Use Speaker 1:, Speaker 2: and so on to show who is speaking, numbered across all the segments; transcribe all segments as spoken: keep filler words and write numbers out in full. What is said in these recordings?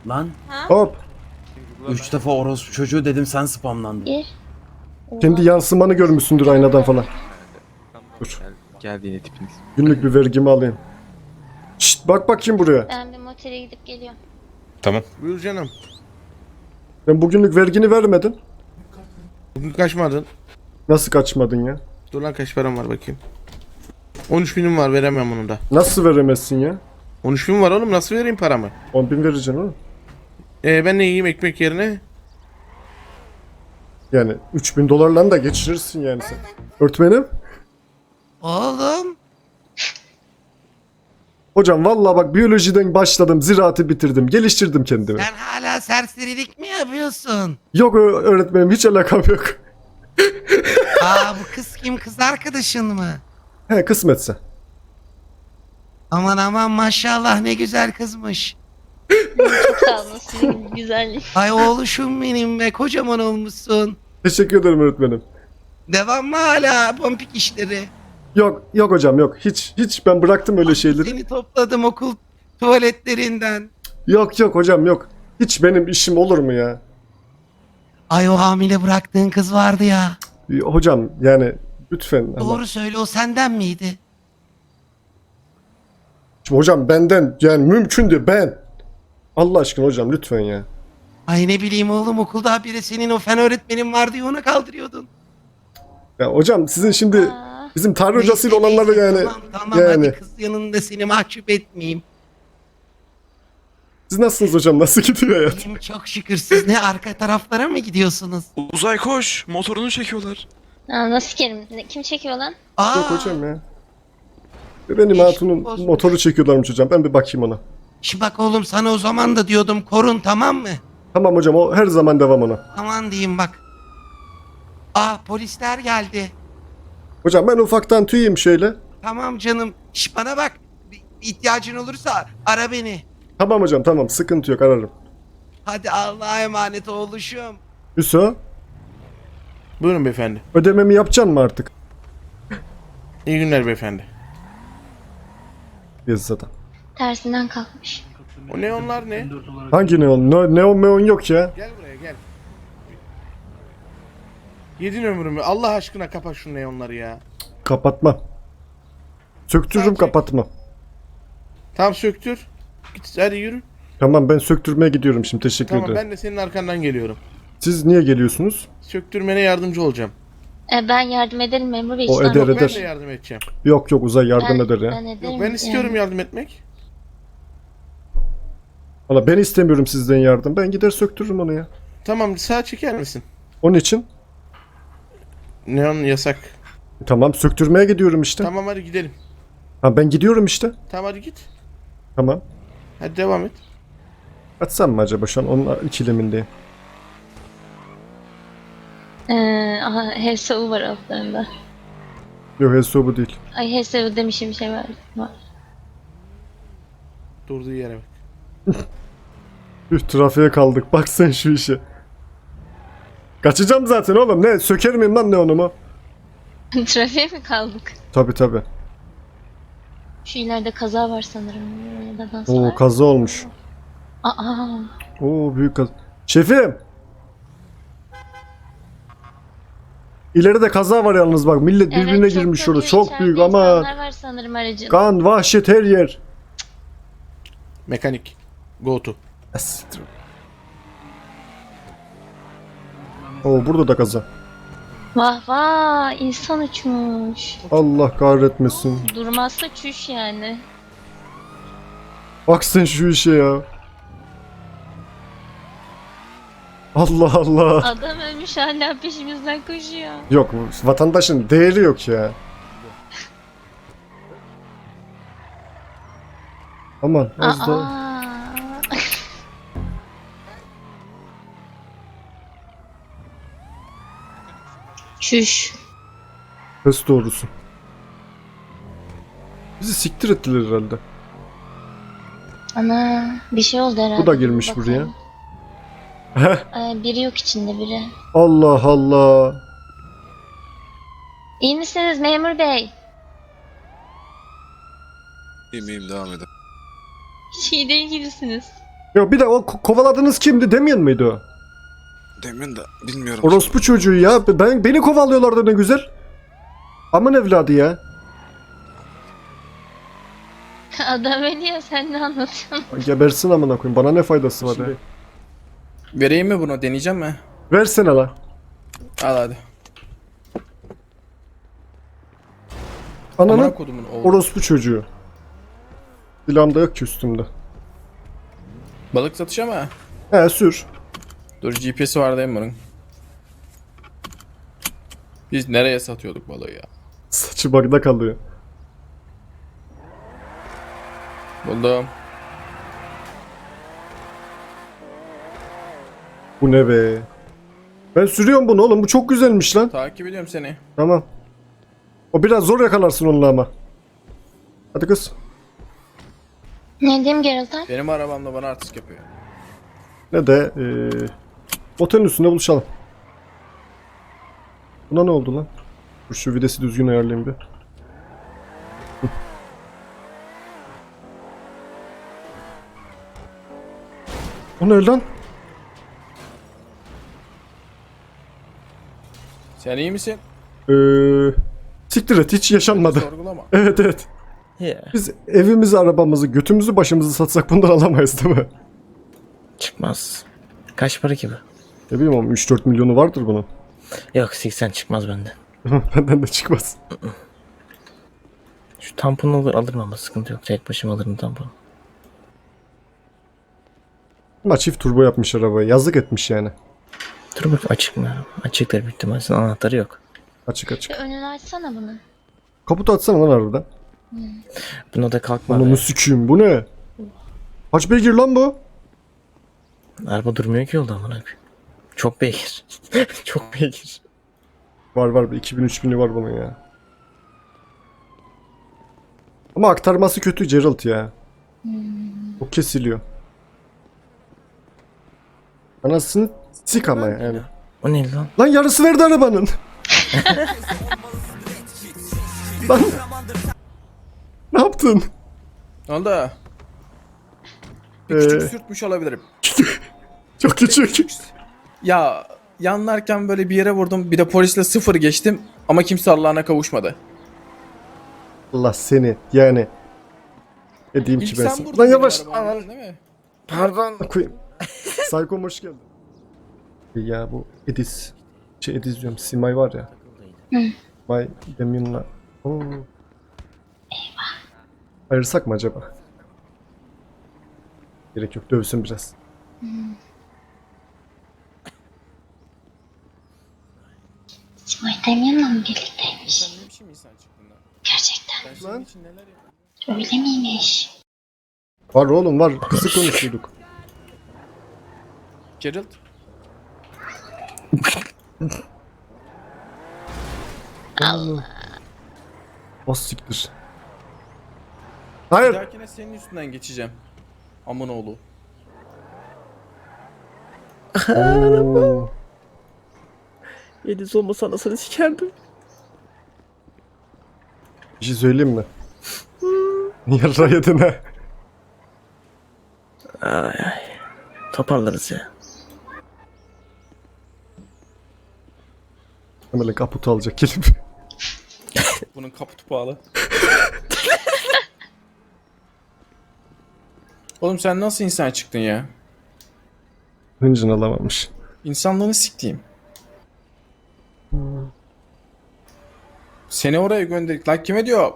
Speaker 1: Lan
Speaker 2: Hop.
Speaker 1: üç defa orospu çocuğu dedim, sen spamlandın.
Speaker 3: Bir.
Speaker 2: Kendi yansımanı görmüşsündür aynadan falan. Dur.
Speaker 4: Geldi yine tipiniz.
Speaker 2: Günlük bir vergimi alayım. Şşt, bak bakayım buraya.
Speaker 3: Ben bir motele gidip geliyorum.
Speaker 4: Tamam.
Speaker 5: Buyur canım.
Speaker 2: Ben bugünlük vergini vermedin.
Speaker 5: Bugün kaçmadın.
Speaker 2: Nasıl kaçmadın ya?
Speaker 5: Dur lan kaç param var bakayım. on üç binim var, veremem onu da.
Speaker 2: Nasıl veremezsin ya?
Speaker 5: on üç bin var oğlum, nasıl vereyim paramı?
Speaker 2: on bin vereceksin oğlum.
Speaker 5: Ee, ben ne yiyeyim ekmek yerine?
Speaker 2: Yani üç bin dolarla da geçirirsin yani sen. Öğretmenim.
Speaker 6: Oğlum.
Speaker 2: Hocam vallahi bak biyolojiden başladım, ziraatı bitirdim, geliştirdim kendimi.
Speaker 6: Sen hala serserilik mi yapıyorsun?
Speaker 2: Yok ö- öğretmenim, hiç alakam yok.
Speaker 6: Aa bu kız kim, kız arkadaşın mı?
Speaker 2: He, kısmetse.
Speaker 6: Aman aman maşallah ne güzel kızmış.
Speaker 3: Çok sağ olun sizin güzellik.
Speaker 6: Ay oğluşum benim be, kocaman olmuşsun.
Speaker 2: Teşekkür ederim öğretmenim.
Speaker 6: Devam mı hala pompik işleri?
Speaker 2: Yok yok hocam yok, hiç hiç ben bıraktım öyle şeyleri.
Speaker 6: Seni topladım okul tuvaletlerinden.
Speaker 2: Yok yok hocam yok. Hiç benim işim olur mu ya?
Speaker 6: Ay o hamile bıraktığın kız vardı ya.
Speaker 2: Hocam yani lütfen. ama-
Speaker 6: Doğru söyle, o senden miydi?
Speaker 2: Şimdi hocam benden yani mümkün değil, ben. Allah aşkına hocam lütfen ya.
Speaker 6: Ay ne bileyim oğlum, okulda habire senin o fen öğretmenin var diye ona kaldırıyordun.
Speaker 2: Ya hocam sizin şimdi
Speaker 3: Aa,
Speaker 2: bizim tarih
Speaker 6: Neyse,
Speaker 2: hocasıyla olanları
Speaker 6: neyse,
Speaker 2: yani
Speaker 6: Tamam tamam
Speaker 2: yani.
Speaker 6: hadi kız yanında seni mahcup etmeyeyim.
Speaker 2: Siz nasılsınız hocam? Nasıl gidiyor hayat?
Speaker 6: Benim çok şükür, siz ne arka taraflara mı gidiyorsunuz?
Speaker 4: Uzay koş. Motorunu çekiyorlar.
Speaker 3: aa, nasıl kerim? Ne- Kim çekiyor lan?
Speaker 6: Aa,
Speaker 2: Yok hocam ya. Benim
Speaker 6: İş
Speaker 2: hatunun
Speaker 6: bozmuş.
Speaker 2: motoru çekiyorlarmış hocam. Ben bir bakayım ona.
Speaker 6: Şimdi bak oğlum, sana o zaman da diyordum korun, tamam mı?
Speaker 2: Tamam hocam, o her zaman devam ona.
Speaker 6: Aman diyeyim bak. Aa polisler geldi.
Speaker 2: Hocam ben ufaktan tüyeyim şöyle.
Speaker 6: Tamam canım. Şş bana bak. Bir ihtiyacın olursa ara beni.
Speaker 2: Tamam hocam, tamam, sıkıntı yok, ararım.
Speaker 6: Hadi Allah'a emanet oğluşum.
Speaker 2: Hüso,
Speaker 5: Buyurun beyefendi.
Speaker 2: ödememi yapacaksın mı artık?
Speaker 5: İyi günler beyefendi.
Speaker 2: Yazıda.
Speaker 3: Tersinden kalkmış.
Speaker 5: O neonlar ne?
Speaker 2: Hangi neon? Ne, neon meon yok ya.
Speaker 5: Gel buraya gel. Yedin ömrümü. Allah aşkına kapat şu neonları ya.
Speaker 2: Kapatmam. Söktürürüm,
Speaker 5: Sadece-
Speaker 2: kapatmam.
Speaker 5: Tamam söktür. Git hadi yürü.
Speaker 2: Tamam, ben söktürmeye gidiyorum şimdi, teşekkür
Speaker 5: Tamam
Speaker 2: ederim.
Speaker 5: ben de senin arkandan geliyorum.
Speaker 2: Siz niye geliyorsunuz?
Speaker 5: Söktürmene yardımcı olacağım.
Speaker 3: E, ben yardım ederim memur bey.
Speaker 2: O
Speaker 3: işte.
Speaker 2: eder
Speaker 5: Ben
Speaker 2: eder.
Speaker 5: de yardım edeceğim.
Speaker 2: Yok yok, Uzay yardım
Speaker 3: Ben-
Speaker 2: eder ya.
Speaker 3: Ben ederim.
Speaker 5: Yok ben istiyorum
Speaker 3: yani.
Speaker 5: yardım etmek.
Speaker 2: Valla ben istemiyorum sizden yardım. Ben gider söktürürüm onu ya.
Speaker 5: Tamam sağa çeker misin?
Speaker 2: Onun için.
Speaker 5: Neon yasak.
Speaker 2: Tamam, söktürmeye gidiyorum işte.
Speaker 5: Tamam hadi gidelim.
Speaker 2: Ha, ben gidiyorum işte.
Speaker 5: Tamam hadi git.
Speaker 2: Tamam.
Speaker 5: Hadi devam et.
Speaker 2: Açsam mı acaba, şu an onun ikilemindeyim.
Speaker 3: Ee, aha, H S U var altlarında.
Speaker 2: Yok, Heso bu değil.
Speaker 3: Ay H S U demişim, bir şey var. var.
Speaker 5: Durduğu yere bak.
Speaker 2: Üh, trafiğe kaldık. Bak sen şu işe. Kaçacağım zaten oğlum. Ne? Söker miyim lan neonumu?
Speaker 3: Trafiğe mi kaldık?
Speaker 2: Tabi tabi.
Speaker 3: Şu ileride kaza var sanırım. Ya da dans
Speaker 2: Oo,
Speaker 3: var.
Speaker 2: kaza olmuş.
Speaker 3: Aa,
Speaker 2: Oo, büyük kaza. Şefim! İleride kaza var yalnız bak. Millet
Speaker 3: evet,
Speaker 2: birbirine
Speaker 3: çok
Speaker 2: girmiş
Speaker 3: kötü.
Speaker 2: orada. Çok
Speaker 3: İçeride
Speaker 2: büyük ama
Speaker 3: insanlar var sanırım aracın.
Speaker 2: kan, vahşet her yer.
Speaker 5: Mekanik. Go to.
Speaker 2: Asittir. Oo, burada da kaza.
Speaker 3: Vah vah, insan uçmuş.
Speaker 2: Allah kahretmesin.
Speaker 3: Durmazsa çüş yani.
Speaker 2: Bak sen şu işe ya. Allah Allah.
Speaker 3: Adam ölmüş hala peşimizden koşuyor.
Speaker 2: Yok, vatandaşın değeri yok ya. Aman az da.
Speaker 3: Aa. Çüş.
Speaker 2: Pes doğrusu. Bizi siktir ettiler herhalde.
Speaker 3: Ana, bir şey oldu herhalde.
Speaker 2: Bu da girmiş
Speaker 3: Bakalım.
Speaker 2: buraya. Heh.
Speaker 3: Ay, biri yok içinde biri.
Speaker 2: Allah Allah.
Speaker 3: İyi misiniz memur bey?
Speaker 4: İyiyim iyiyim devam edin.
Speaker 3: Hiç iyi değil gibisiniz.
Speaker 2: Yok bir de o ko- kovaladığınız kimdi demiyor muydu o?
Speaker 4: Demin de bilmiyorum.
Speaker 2: Orospu çocuğu ya. Ben, beni kovalıyorlardı ne güzel. Aman evladı ya.
Speaker 3: Adam ölüyor, sen ne anlatıyorsun?
Speaker 2: Gebersin amına koyayım. Bana ne faydası var ya?
Speaker 1: Vereyim mi bunu? Deneyeceğim mi?
Speaker 2: Versene la.
Speaker 1: Al hadi.
Speaker 2: Ananı
Speaker 1: Amına kodumun oğlu.
Speaker 2: orospu çocuğu. Silahım da yok ki üstümde.
Speaker 1: Balık satışı mı?
Speaker 2: He sür.
Speaker 1: Dur G P S'i var değil mi bunun? Biz nereye satıyorduk balığı ya?
Speaker 2: Saçı bagda kalıyor.
Speaker 1: Buldum.
Speaker 2: Bu ne be? Ben sürüyorum bunu oğlum. Bu çok güzelmiş lan.
Speaker 1: Takip ediyorum seni.
Speaker 2: Tamam. O biraz zor yakalarsın onunla ama. Hadi kız.
Speaker 3: Ne diyeyim Geralt'a?
Speaker 1: Benim arabamla bana artist yapıyor.
Speaker 2: Ne de eee otelin üstünde buluşalım. Buna ne oldu lan? Dur şu videsi düzgün ayarlayayım bir. Hı. O ne lan?
Speaker 1: Sen iyi misin?
Speaker 2: Eee siktir et hiç yaşanmadı.
Speaker 1: Sorgulama.
Speaker 2: Evet evet. Biz evimizi, arabamızı, götümüzü, başımızı satsak bundan alamayız değil mi?
Speaker 7: Çıkmaz. Kaç para ki bu?
Speaker 2: Ne bileyim oğlum üç dört milyonu vardır bunun.
Speaker 7: Yok seksen çıkmaz benden.
Speaker 2: Benden de çıkmaz.
Speaker 7: Şu tamponu olur alırım ama sıkıntı yok. Tek başıma alırım tamponu.
Speaker 2: Ama çift turbo yapmış arabayı. Yazık etmiş yani.
Speaker 7: Dur bak açık mı? Açıktır büyük ihtimalle. Anahtarı yok.
Speaker 2: Açık açık.
Speaker 3: Bir önünü açsana bunu.
Speaker 2: Kaputu açsana lan harbiden.
Speaker 7: Buna da kalkma.
Speaker 2: Ananı
Speaker 7: be.
Speaker 2: sikiyim bu ne? Kaç beygir lan bu?
Speaker 7: Araba durmuyor ki yolda amına koyayım. Çok beygir. Çok beygir.
Speaker 2: Var var iki bin üç bini var bunun ya. Ama aktarması kötü Geralt ya. O kesiliyor. Anasını sik ama yani.
Speaker 7: O ne lan?
Speaker 2: Lan yarısı verdi arabanın. Lan. Ne yaptın?
Speaker 1: Ne oldu? Bir
Speaker 2: Ee,
Speaker 1: küçük sürtmüş olabilirim.
Speaker 2: Çok küçük.
Speaker 1: Ya yanlarken böyle bir yere vurdum. Bir de polisle sıfır geçtim. Ama kimse Allah'ına kavuşmadı.
Speaker 2: Allah seni yani. Ne diyeyim
Speaker 1: İlk
Speaker 2: ki ben
Speaker 1: sen
Speaker 2: sana.
Speaker 1: vurdun
Speaker 2: Lan
Speaker 1: benim
Speaker 2: yavaş.
Speaker 1: arabamı, değil mi?
Speaker 7: Pardon.
Speaker 2: Koyayım. Psycho hoş geldin. Ya bu Edis. Şey Edis diyorum. Simay var ya. Simay Demin'la. Oo. Ayırsak mı acaba? Gerek yok. Dövsün biraz.
Speaker 3: İsmail Demyan'la mı birlikteymiş?
Speaker 1: Sen ne biçim insan çıktın lan?
Speaker 3: Gerçekten.
Speaker 1: Ben senin
Speaker 2: Lan.
Speaker 1: için neler yapıyorum?
Speaker 3: Öyle miymiş?
Speaker 2: Var oğlum var. Kısık konuşuyorduk.
Speaker 1: Geralt.
Speaker 2: Allah. O siktir.
Speaker 1: Bir
Speaker 2: Hayır.
Speaker 1: dahakine senin üstünden geçeceğim. Amın oğlu.
Speaker 2: Oo.
Speaker 7: Yediz olmasa anasını sikerdim.
Speaker 2: Bir şey söyleyeyim mi? Yarra yedin ha.
Speaker 7: Ay ay. Toparlarız ya.
Speaker 2: Hemen kaputu alacak gelip.
Speaker 1: Bunun kaputu pahalı. Oğlum sen nasıl insan çıktın ya?
Speaker 2: Hıncını alamamış.
Speaker 1: İnsanlığını siktiğim. Seni oraya gönderdik. Lan kime diyor?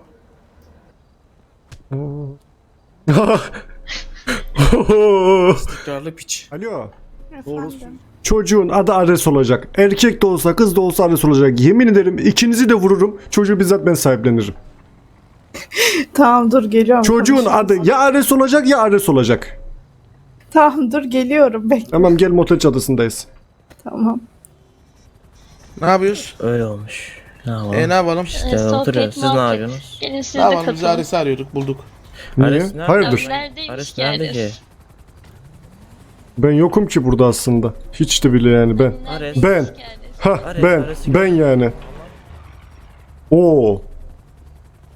Speaker 1: Tekrarlı piç.
Speaker 2: Alo. Doğrusu. Çocuğun adı Ares olacak. Erkek de olsa kız da olsa Ares olacak. Yemin ederim ikinizi de vururum. Çocuğu bizzat ben sahiplenirim.
Speaker 8: Tamam dur geliyorum.
Speaker 2: Çocuğun
Speaker 8: konuşuruz.
Speaker 2: adı ya Ares olacak ya Ares olacak.
Speaker 8: Tamam dur geliyorum bekle.
Speaker 2: Tamam gel motel çadısındayız.
Speaker 8: Tamam.
Speaker 5: Ne yapıyoruz?
Speaker 7: Öyle olmuş. Ne yapalım?
Speaker 5: E ne yapalım?
Speaker 7: İşte
Speaker 3: Ee, sohbet,
Speaker 7: oturuyoruz. Siz ne
Speaker 3: muhabbet.
Speaker 7: yapıyorsunuz?
Speaker 3: Gelin siz
Speaker 5: Ne
Speaker 3: de
Speaker 5: yapalım? Biz
Speaker 3: katılın.
Speaker 5: Ares'i arıyorduk bulduk.
Speaker 2: Niye?
Speaker 7: Ares nerede?
Speaker 2: Hayırdır?
Speaker 3: Abi neredeymiş
Speaker 7: Ares
Speaker 3: ki
Speaker 7: nerede
Speaker 3: Ares?
Speaker 7: ki?
Speaker 2: Ben yokum ki burada aslında. Hiç de bile yani ben.
Speaker 7: Ares.
Speaker 2: Ben.
Speaker 3: Ki Ares?
Speaker 2: Ha
Speaker 7: Ares,
Speaker 2: ben.
Speaker 7: Ares'i
Speaker 2: Ben yani. Oo.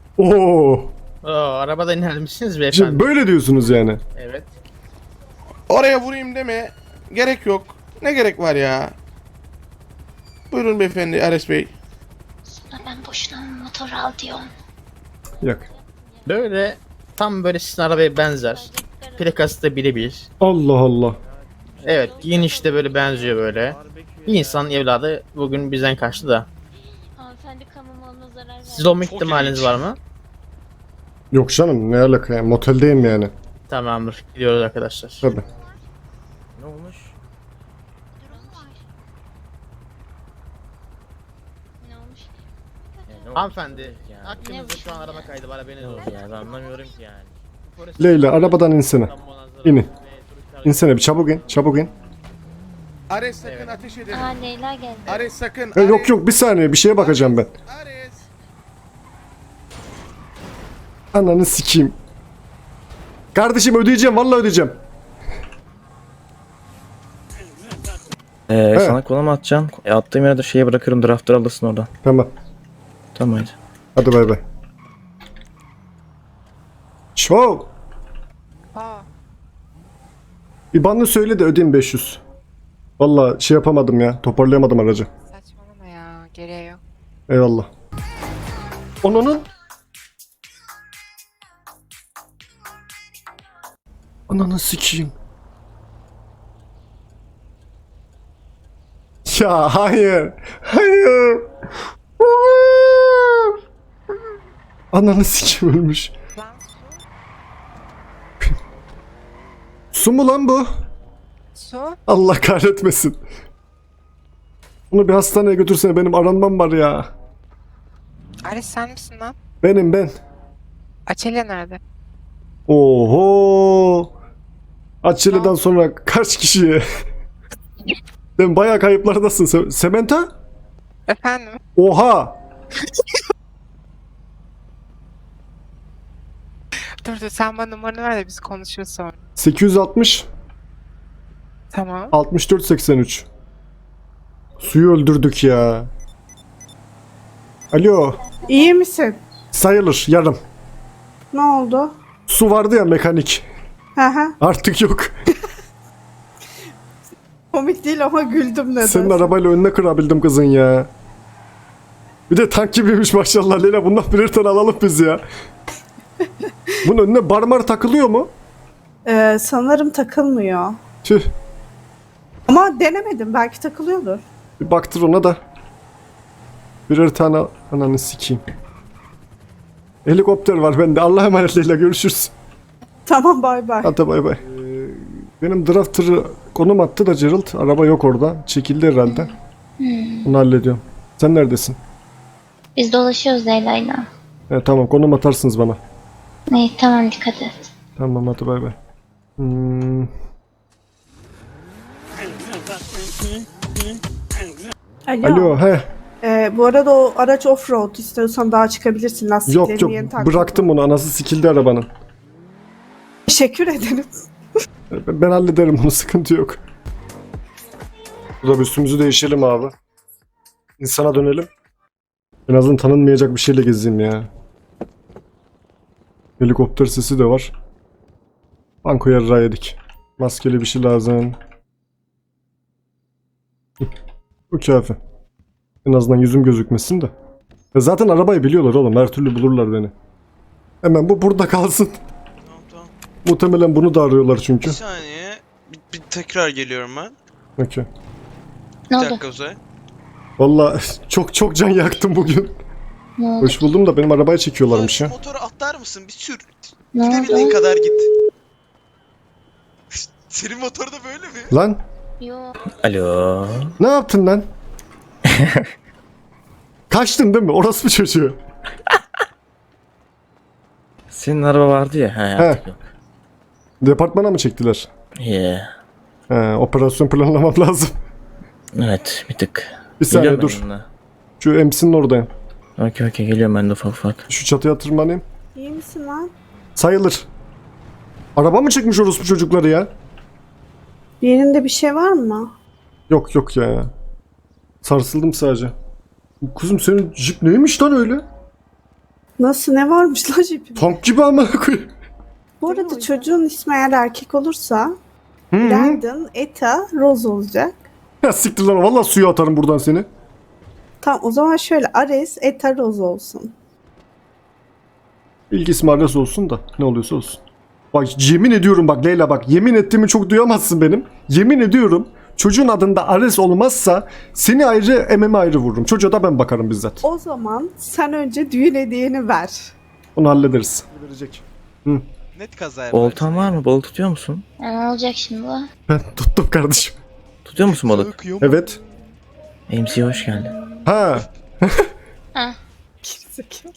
Speaker 2: Oo.
Speaker 9: Oo, arabadan inermişsiniz beyefendi.
Speaker 2: Şimdi böyle diyorsunuz yani.
Speaker 9: Evet.
Speaker 5: Oraya vurayım deme. Gerek yok. Ne gerek var ya? Buyurun beyefendi Ares Bey.
Speaker 3: Sana ben boşuna mı motor al diyorum.
Speaker 2: Yok.
Speaker 7: Böyle tam böyle sizin arabaya benzer. Plakası da birebir.
Speaker 2: Allah Allah.
Speaker 7: Evet giyiniş de böyle benziyor böyle. Bir insan evladı bugün bizden kaçtı da.
Speaker 3: Hanımefendi kamu malına zarar verdi.
Speaker 7: Siz olma ihtimaliniz var mı?
Speaker 2: Yok canım, ne alaka ya, moteldeyim yani.
Speaker 7: Tamamdır. Gidiyoruz arkadaşlar.
Speaker 2: Tabii.
Speaker 7: Ne olmuş?
Speaker 3: Ne olmuş?
Speaker 7: Hanımefendi, hakkınızda şu an araba kaydı var haberiniz olsun. Ya ben anlamıyorum ki yani.
Speaker 2: Leyla, arabadan insene. İnin. İnsene bir, çabuk in, çabuk in.
Speaker 5: Ares sakın
Speaker 7: Evet.
Speaker 5: ateş edelim.
Speaker 3: Aa Leyla geldi.
Speaker 5: Ares sakın.
Speaker 2: E, yok
Speaker 5: Ares,
Speaker 2: yok, bir saniye, bir şeye bakacağım ben.
Speaker 5: Ares.
Speaker 2: Ananı sikeyim. Kardeşim ödeyeceğim, vallahi ödeyeceğim.
Speaker 7: Ee,
Speaker 2: Evet.
Speaker 7: sana kola mı atacağım? E, attığım yere de şeye bırakırım, draftır alırsın oradan.
Speaker 2: Tamam.
Speaker 7: Tamam hadi.
Speaker 2: Hadi bay bay. Show. İban'ı söyle de ödeyeyim beş yüz. Vallahi şey yapamadım ya, toparlayamadım aracı.
Speaker 9: Saçmalama ya. Gereği yok.
Speaker 2: Eyvallah. Onunun... Ananı sikeyim. Ya hayır. Hayır. Hayır. Ananı sikeyim, ölmüş.
Speaker 9: Lan
Speaker 2: Su mu lan bu?
Speaker 9: su. Su.
Speaker 2: Allah kahretmesin. Bunu bir hastaneye götürsene, benim aranmam var ya.
Speaker 9: Ares sen misin lan?
Speaker 2: Benim ben.
Speaker 9: Açelya nerede?
Speaker 2: Oho. Açılıdan sonra kaç kişiye? Sen bayağı kayıplardasın. Se- Sementa?
Speaker 9: Efendim?
Speaker 2: Oha.
Speaker 9: Dur dur sen bana numaranı ver de biz konuşuruz sonra.
Speaker 2: sekiz yüz altmış
Speaker 9: Tamam.
Speaker 2: altmış dört seksen üç. Suyu öldürdük ya. Alo.
Speaker 8: İyi misin?
Speaker 2: Sayılır yarım.
Speaker 8: Ne oldu?
Speaker 2: Su vardı ya, mekanik.
Speaker 8: Hı hı.
Speaker 2: Artık yok.
Speaker 8: Komik değil ama güldüm neden?
Speaker 2: Senin arabayla önüne kırabildim kızın ya. Bir de tank gibiymiş maşallah Leyla. Bundan birer tane alalım biz ya. Bunun önüne barmar takılıyor mu?
Speaker 8: Ee, sanırım takılmıyor.
Speaker 2: Tüh.
Speaker 8: Ama denemedim. Belki takılıyordur.
Speaker 2: Bir baktır ona da. Birer tane al- ananı sikeyim. Helikopter var bende. Allah'a emanet Leyla, görüşürüz.
Speaker 8: Tamam bay bay.
Speaker 2: Hadi bay bay. Ee, benim drafter'ı konum attı da Gerald. Araba yok orada. Çekildi herhalde. Bunu hallediyorum. Sen neredesin?
Speaker 3: Biz dolaşıyoruz Leyla'yla.
Speaker 2: He, tamam, konum atarsınız bana.
Speaker 3: İyi tamam dikkat et.
Speaker 2: Tamam hadi bay bay. Hmm,
Speaker 8: Alo.
Speaker 2: alo he.
Speaker 8: Ee, bu arada o araç offroad. İstiyorsan daha çıkabilirsin. Lastiklerini
Speaker 2: Yok yok,
Speaker 8: yeni taktım.
Speaker 2: bıraktım onu. Anası sikildi arabanın.
Speaker 8: Teşekkür ederim.
Speaker 2: Ben, ben hallederim bunu, sıkıntı yok. Burada bir üstümüzü değişelim abi. İnsana dönelim. En azından tanınmayacak bir şeyle gezeyim ya. Helikopter sesi de var. Banko yarrağı yedik. Maskeli bir şey lazım. Hı, bu kafi. En azından yüzüm gözükmesin de. Ya zaten arabayı biliyorlar oğlum. Her türlü bulurlar beni. Hemen bu burada kalsın.
Speaker 4: Tamam tamam.
Speaker 2: Muhtemelen bunu da arıyorlar çünkü.
Speaker 4: Bir saniye. Bir, bir tekrar geliyorum ben.
Speaker 2: Okey.
Speaker 3: Ne
Speaker 4: Bir
Speaker 3: oldu?
Speaker 4: dakika Uzay.
Speaker 2: Valla çok çok can yaktım bugün.
Speaker 3: Ne oldu?
Speaker 2: Hoş buldum da benim arabaya çekiyorlarmış
Speaker 4: Uzay,
Speaker 2: ya.
Speaker 4: şu motoru atlar mısın? Bir sür.
Speaker 3: Ne
Speaker 4: Gidebildiğin
Speaker 3: oldu?
Speaker 4: kadar git. Senin motor da böyle mi?
Speaker 2: Lan
Speaker 3: Yok.
Speaker 7: Alo.
Speaker 2: ne yaptın lan? Kaçtın değil mi? Orası mı çocuğu?
Speaker 7: Senin araba vardı ya. He artık yok.
Speaker 2: Departmana mı çektiler?
Speaker 7: Yeah.
Speaker 2: He, operasyon planlamam lazım.
Speaker 7: Evet bir tık.
Speaker 2: Bir saniye
Speaker 7: Geliyorum
Speaker 2: dur.
Speaker 7: ben yanına.
Speaker 2: Şu M C'nin oradayım.
Speaker 7: Okey okey geliyorum ben de ufak ufak.
Speaker 2: Şu çatıya tırmanayım.
Speaker 8: İyi misin lan?
Speaker 2: Sayılır. Araba mı çıkmış orospu çocukları ya?
Speaker 8: Bir yerinde bir şey var mı?
Speaker 2: Yok yok ya. Sarsıldım sadece. Kuzum senin jip neymiş lan öyle?
Speaker 8: Nasıl, ne varmış lan jipinde?
Speaker 2: Tank gibi amına koyayım.
Speaker 8: Bu arada çocuğun ismi eğer erkek olursa
Speaker 2: Hı hı.
Speaker 8: Landon, Eta, Rose olacak.
Speaker 2: Ya siktir lan valla suya atarım buradan seni.
Speaker 8: Tamam o zaman şöyle Ares, Eta, Rose olsun.
Speaker 2: İlk ismi Ares olsun da ne oluyorsa olsun. Bak yemin ediyorum bak Leyla bak yemin ettiğimi çok duyamazsın benim. Yemin ediyorum çocuğun adında Ares olmazsa seni ayrı Emem'i ayrı vururum. Çocuğa da ben bakarım bizzat.
Speaker 8: O zaman sen önce düğün hediyeni ver.
Speaker 2: Onu hallederiz. Verecek.
Speaker 4: Net kaza yaparsın.
Speaker 7: Oltan var mı? Balık tutuyor musun?
Speaker 3: Ne olacak şimdi bu?
Speaker 2: Ben tuttum kardeşim.
Speaker 7: Tutuyor musun balık?
Speaker 4: Akıyor mu?
Speaker 2: Evet.
Speaker 7: M C hoş geldin.
Speaker 2: Ha.
Speaker 3: Ha.
Speaker 8: Gerizekalı.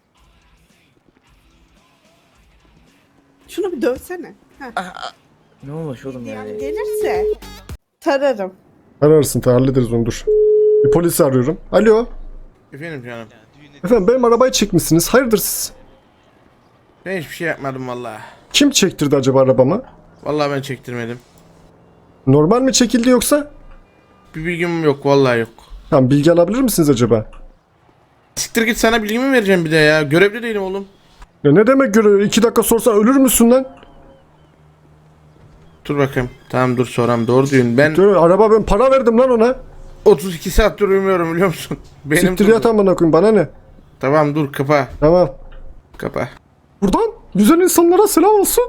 Speaker 8: Şunu bir dövsene. Heh.
Speaker 7: Ne olmuş oğlum ya?
Speaker 8: Yani gelirse tararım.
Speaker 2: Ararsın ta hallederiz onu dur. Bir polisi arıyorum. Alo.
Speaker 5: Efendim canım.
Speaker 4: Yani düğün
Speaker 2: Efendim benim arabayı çekmişsiniz. Hayırdır siz?
Speaker 5: Ben hiçbir şey yapmadım vallahi.
Speaker 2: Kim çektirdi acaba arabamı?
Speaker 5: Vallahi ben çektirmedim.
Speaker 2: Normal mi çekildi yoksa?
Speaker 5: Bir bilgim yok vallahi yok.
Speaker 2: Tamam bilgi alabilir misiniz acaba?
Speaker 5: Siktir git, sana bilgimi vereceğim bir de ya. Görevli değilim oğlum.
Speaker 2: Ya ne demek göre? İki dakika sorsan ölür müsün lan?
Speaker 5: Dur bakayım. Tamam dur soram. Doğru diyorsun. Ben
Speaker 2: Dur, araba ben para verdim lan ona.
Speaker 5: otuz iki saattir uyumuyorum biliyor musun? Benim
Speaker 2: Siktir
Speaker 5: durdu.
Speaker 2: yat amına koyayım bana ne?
Speaker 5: Tamam dur kapa.
Speaker 2: Tamam.
Speaker 5: Kapa.
Speaker 2: Buradan güzel insanlara selam olsun.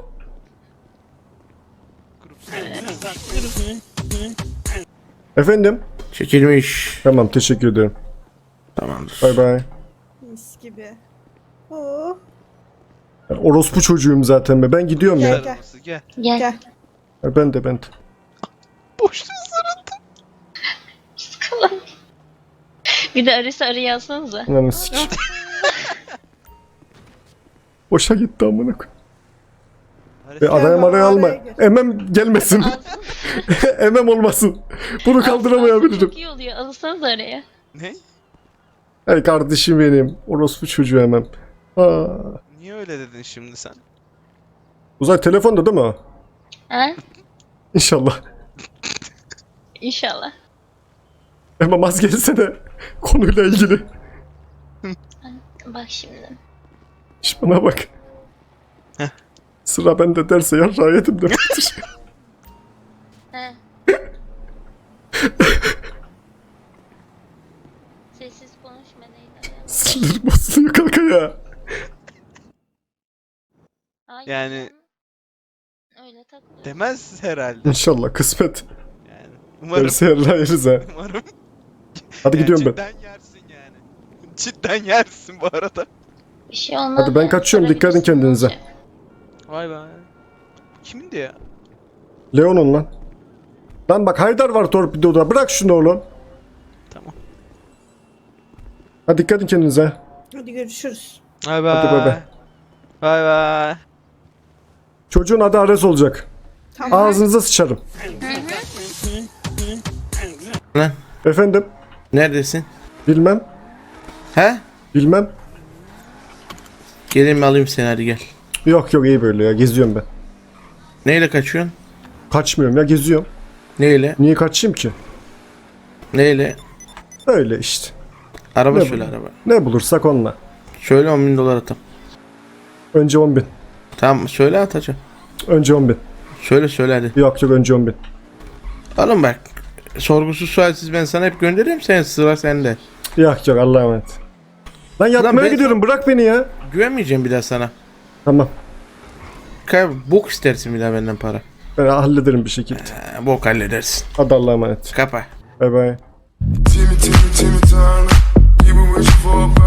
Speaker 2: Efendim?
Speaker 5: Çekilmiş.
Speaker 2: Tamam teşekkür ederim.
Speaker 5: Tamamdır.
Speaker 2: Bay bay.
Speaker 8: Mis gibi. Oo,
Speaker 2: Ben orospu çocuğuyum zaten be. Ben gidiyorum ya.
Speaker 8: Gel,
Speaker 4: kaza
Speaker 8: gel.
Speaker 4: arabası, gel.
Speaker 3: Gel.
Speaker 8: Gel.
Speaker 2: Ya ben de ben de.
Speaker 4: Boşluğu sarıldı.
Speaker 3: Kalan. Bir de Ares'i araya alsanıza.
Speaker 2: Lan sik. Boşa gitti amına koyayım. E, araya maraya alma.
Speaker 8: araya gir.
Speaker 2: Emem gelmesin. Emem olmasın. Bunu kaldıramayabilirim.
Speaker 3: Çok iyi oluyor. Alsanıza araya.
Speaker 4: Ne?
Speaker 2: Hey kardeşim benim. Orospu çocuğu Emem. Aa.
Speaker 4: Niye öyle dedin şimdi sen?
Speaker 2: Uzay telefonda değil mi o?
Speaker 3: Ha?
Speaker 2: İnşallah.
Speaker 3: İnşallah.
Speaker 2: Emem az gelsene. Konuyla ilgili.
Speaker 3: Bak şimdi.
Speaker 2: Şş, bana bak.
Speaker 4: Heh.
Speaker 2: Sıra bende derse yarrağı yedim demektir.
Speaker 3: Ha. Sessiz konuşma değil.
Speaker 2: Sinir bozuluyor kanka ya.
Speaker 3: Hayır
Speaker 4: Yani-
Speaker 3: canım. Öyle takılıyor.
Speaker 4: Demez herhalde.
Speaker 2: İnşallah kısmet.
Speaker 4: Yani umarım.
Speaker 2: Derse yarrağı yeriz ha.
Speaker 4: Umarım.
Speaker 2: Hadi gidiyorum ben.
Speaker 4: Cidden yersin yani. Cidden yersin bu arada.
Speaker 3: Bir şey olmaz.
Speaker 2: Hadi ben
Speaker 3: yani.
Speaker 2: kaçıyorum, dikkat edin
Speaker 3: Sorabilirsin,
Speaker 2: kendinize.
Speaker 3: ne olacak?
Speaker 4: Vay be. Kimindi ya?
Speaker 2: Leon'un lan. Lan bak Haydar var torpidoda. Bırak şunu oğlum.
Speaker 4: Tamam.
Speaker 2: Hadi dikkat edin kendinize.
Speaker 8: Hadi görüşürüz.
Speaker 4: Bay bay.
Speaker 2: Hadi bay bay.
Speaker 4: Bay bay.
Speaker 2: Çocuğun adı Ares olacak.
Speaker 8: Tamam.
Speaker 2: Ağzınıza sıçarım.
Speaker 5: Lan
Speaker 2: Efendim?
Speaker 5: neredesin?
Speaker 2: Bilmem.
Speaker 5: He?
Speaker 2: Bilmem.
Speaker 5: Geleyim alayım seni, hadi gel.
Speaker 2: Yok yok iyi böyle ya. Geziyorum ben.
Speaker 5: Neyle kaçıyorsun?
Speaker 2: Kaçmıyorum ya geziyorum.
Speaker 5: Neyle?
Speaker 2: Niye kaçayım ki?
Speaker 5: Neyle?
Speaker 2: Öyle işte.
Speaker 5: Araba
Speaker 2: Ne
Speaker 5: söyle
Speaker 2: bu?
Speaker 5: araba.
Speaker 2: Ne bulursak onunla.
Speaker 5: Söyle on bin dolar atam.
Speaker 2: Önce on bin.
Speaker 5: Tamam söyle atacağım.
Speaker 2: Önce on bin.
Speaker 5: Söyle söyle hadi.
Speaker 2: Yok yok önce on bin.
Speaker 5: Oğlum bak. Sorgusuz sualsiz ben sana hep gönderiyorum, sen sıra sende.
Speaker 2: Yok yok Allah'a emanet. Lan yatmaya
Speaker 5: ben-
Speaker 2: gidiyorum bırak beni ya.
Speaker 5: Güvenmeyeceğim bir daha sana.
Speaker 2: Tamam.
Speaker 5: Kay bok istersin bir daha benden para.
Speaker 2: Ben hallederim bir şekilde.
Speaker 5: Ha, bok halledersin.
Speaker 2: Hadi Allah'a emanet.
Speaker 5: Kapa.
Speaker 2: Bay bay.
Speaker 10: Timmy, Timmy, Timmy Turner. People wishing for a